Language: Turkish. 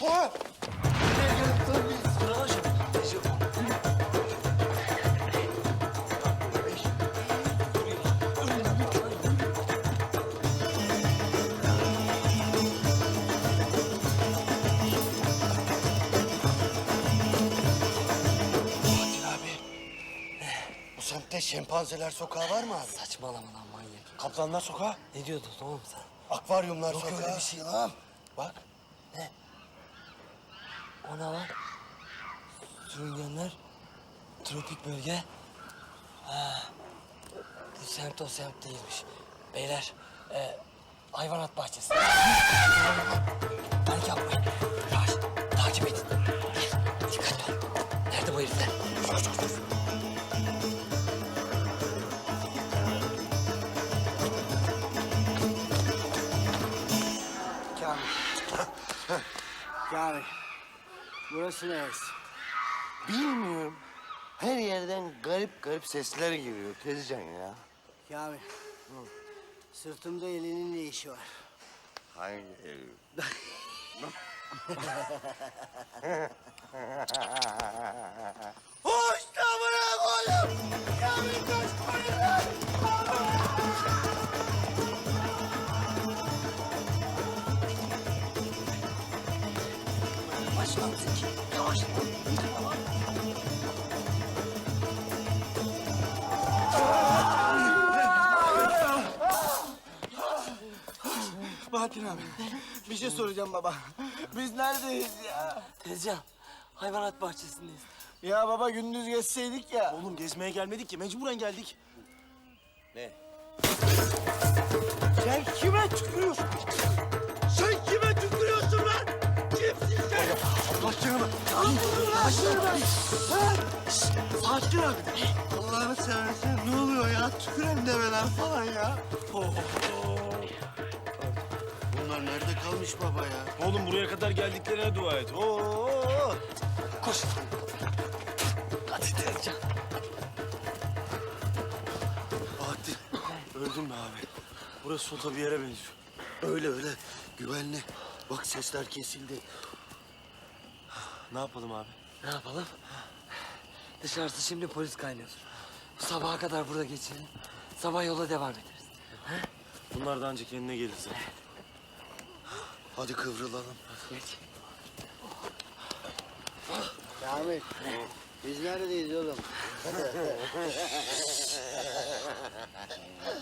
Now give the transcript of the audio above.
Koa! Nereye gelip durmuyoruz? Sıralar şimdi. Bu semtte şempanzeler sokağı var mı abi? Saçmalama lan manyak. Kaplanlar sokağı? Ne diyordun oğlum sen? Akvaryumlar Yok sokağı. öyle bir şey lan. Bak. O ne lan? Sürüngenler, tropik bölge. Ha, bu semt o semt değilmiş. Beyler, hayvanat bahçesi. Panik yapmayın. Yavaş, takip edin. Dikkatli ol. Nerede bu herifler? Kamil. Kamil. Burası neresi? Bilmiyorum. Her yerden garip garip sesler geliyor Tezcan ya. Kamil. Sırtımda elinin ne işi var? Hangi ev? Hoş da bırak oğlum. Kamil kaçmayın lan. Bahattin abi. Bir şey soracağım baba. Biz neredeyiz ya? Tezcan, hayvanat bahçesindeyiz. Ya baba gündüz geçseydik ya. Oğlum gezmeye gelmedik ki mecburen geldik. Sen kime tükürüyorsun? Sen kime tükürüyorsun lan? Kimsin sen? Allah canını. Sakin abi. Allah'ını seversen ne oluyor ya? Tüküren develer falan ya. Bunlar nerede kalmış baba ya? Oğlum buraya kadar geldiklerine dua et. Oo. Koş. Hadi Tezcan. Bahattin. Öldün mü abi? Burası sota bir yere benziyor. Öyle öyle. Güvenli. Bak sesler kesildi. Ne yapalım abi? Ne yapalım? Dışarısı şimdi polis kaynıyor. Sabaha kadar burada geçelim. Sabah yola devam ederiz. Bunlar da ancak kendine gelir zaten. Hadi kıvrılalım. Geç. Kamil. Biz neredeyiz oğlum?